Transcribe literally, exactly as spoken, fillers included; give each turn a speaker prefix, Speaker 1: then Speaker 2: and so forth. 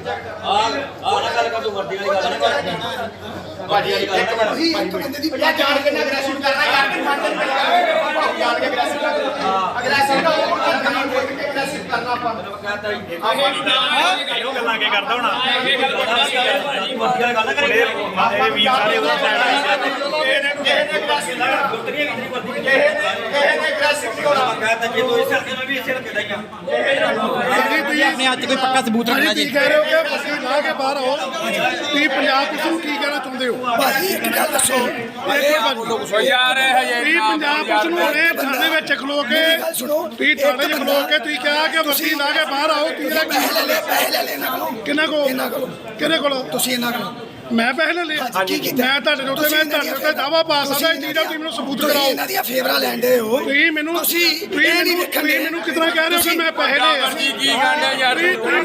Speaker 1: ਆ ਨਾ ਗੱਲ ਕਰ ਤੂੰ ਵਰਦੀ ਵਾਲੀ ਗੱਲ ਨਾ ਕਰ ਭਾਜੀ ਵਾਲੀ ਗੱਲ ਨਾ ਕਰ
Speaker 2: ਇੱਕ ਬੰਦੇ ਦੀ
Speaker 3: ਯਾਰ ਜਾਣ ਕੇ ਨਾ ਅਗਰੈਸਿਵ ਕਰਨਾ ਯਾਰ ਕਿ ਮੰਨ ਦੇ ਜਾਣ ਕੇ ਅਗਰੈਸਿਵ ਕਰਨਾ ਅਗਰੈਸਿਵ ਨਾ ਉਹ ਜਾਣ ਕੇ ਅਗਰੈਸਿਵ ਕਰਨਾ ਆਪਾਂ
Speaker 1: ਮੈਂ ਕਹਤਾ ਹੀ
Speaker 4: ਇਹੋ ਗੱਲਾਂ ਕੇ ਕਰਦਾ ਹੋਣਾ
Speaker 1: ਵਰਦੀ ਵਾਲੀ ਗੱਲ ਨਾ ਕਰੇ
Speaker 4: ਇਹ ਵੀਰ ਸਾਰੇ ਉਹਦਾ ਸਾਈਡ ਆਈ
Speaker 3: ਕਿਸੇ ਨੇ ਕਿਸੇ ਨੇ ਅਗਰੈਸਿਵ ਨਾ
Speaker 1: ਗੁੱਤਰੀ ਕਿਤਨੀ ਵਰਦੀ
Speaker 3: ਕਿਸੇ ਨੇ ਕਿਸੇ ਨੇ ਅਗਰੈਸਿਵ ਨਹੀਂ ਹੋਣਾ
Speaker 1: ਮੈਂ ਕਹਤਾ ਜੇ ਤੂੰ ਇਸ ਹਲਕੇ ਮੈਂ ਵੀ ਇਸ ਹਲਕੇ ਦਾ ਹੀ ਆ
Speaker 5: ਤੁਸੀਂ ਆਪਣੇ ਹੱਥ 'ਚ ਕੋਈ ਪੱਕਾ ਸਬੂਤ ਰੱਖਣਾ ਜੀ।
Speaker 6: ਤੁਸੀਂ ਕਹਿ ਰਹੇ ਹੋ ਕਿ ਬੱਤੀ ਲਾ ਕੇ ਬਾਹਰ ਆਓ ਤੁਸੀਂ ਪੰਜਾਬ ਪੁਲਿਸ ਨੂੰ ਕੀ ਕਹਿਣਾ ਚਾਹੁੰਦੇ ਹੋ?
Speaker 2: ਭਾਜੀ ਇੱਕ ਗੱਲ ਦੱਸੋ
Speaker 6: ਯਾਰ ਤੁਸੀਂ ਪੰਜਾਬ ਪੁਲਿਸ ਨੂੰ ਹੁਣੇ ਥਾਣੇ ਵਿੱਚ ਖਲੋ ਕੇ
Speaker 2: ਗੱਲ ਸੁਣੋ
Speaker 6: ਤੁਸੀਂ ਥਾਣੇ 'ਚ ਖਲੋ ਕੇ ਤੁਸੀਂ ਕਿਹਾ ਕਿ ਬੱਤੀ ਲਾ ਕੇ ਬਾਹਰ ਆਓ ਤੁਸੀਂ ਇਹਦਾ
Speaker 2: ਪੈਸੇ ਲੈ ਲੈ ਪੈਸੇ ਲੈ ਲੈ ਇਹਨਾਂ ਕੋਲੋਂ
Speaker 6: ਕਿਹਨਾਂ ਕੋਲ
Speaker 2: ਇਹਨਾਂ ਕੋਲੋਂ
Speaker 6: ਕਿਹਦੇ ਕੋਲ
Speaker 2: ਤੁਸੀਂ ਇਹਨਾਂ ਕੋਲੋਂ
Speaker 6: ਮੈਂ ਪੈਸੇ ਲੈ ਲਏ
Speaker 2: ਹਾਂਜੀ, ਕੀ ਕੀਤਾ?
Speaker 6: ਮੈਂ ਤੁਹਾਡੇ ਦੇ ਉੱਤੇ ਮੈਂ ਤੁਹਾਡੇ ਉੱਤੇ ਦਾਵਾ ਪਾ ਸਕਦਾ ਇਹ ਚੀਜ਼ ਦਾ ਤੁਸੀਂ ਮੈਨੂੰ ਸਬੂਤ
Speaker 2: ਤੁਸੀਂ
Speaker 6: ਕਰਾਓ
Speaker 2: ਇਹਨਾਂ ਦੀਆਂ ਫੇਵਰਾਂ ਲੈਂਦੇ ਹੋ
Speaker 6: ਤੁਸੀਂ ਮੈਨੂੰ
Speaker 2: ਤੁਸੀਂ
Speaker 6: ਤੁਸੀਂ
Speaker 2: ਇਹ ਨਹੀਂ
Speaker 6: ਮੈਨੂੰ
Speaker 2: ਵੇਖਣ
Speaker 6: ਤੁਸੀਂ ਮੈਨੂੰ ਕਿਤਨਾ ਕਹਿ ਰਹੇ ਹੋ ਕਿ ਮੈਂ ਪੈਸੇ ਲਏ ਆ
Speaker 4: ਕੀ ਕੀ ਗੱਲ ਹੈ ਯਾਰ
Speaker 6: ਤੁਸੀਂ-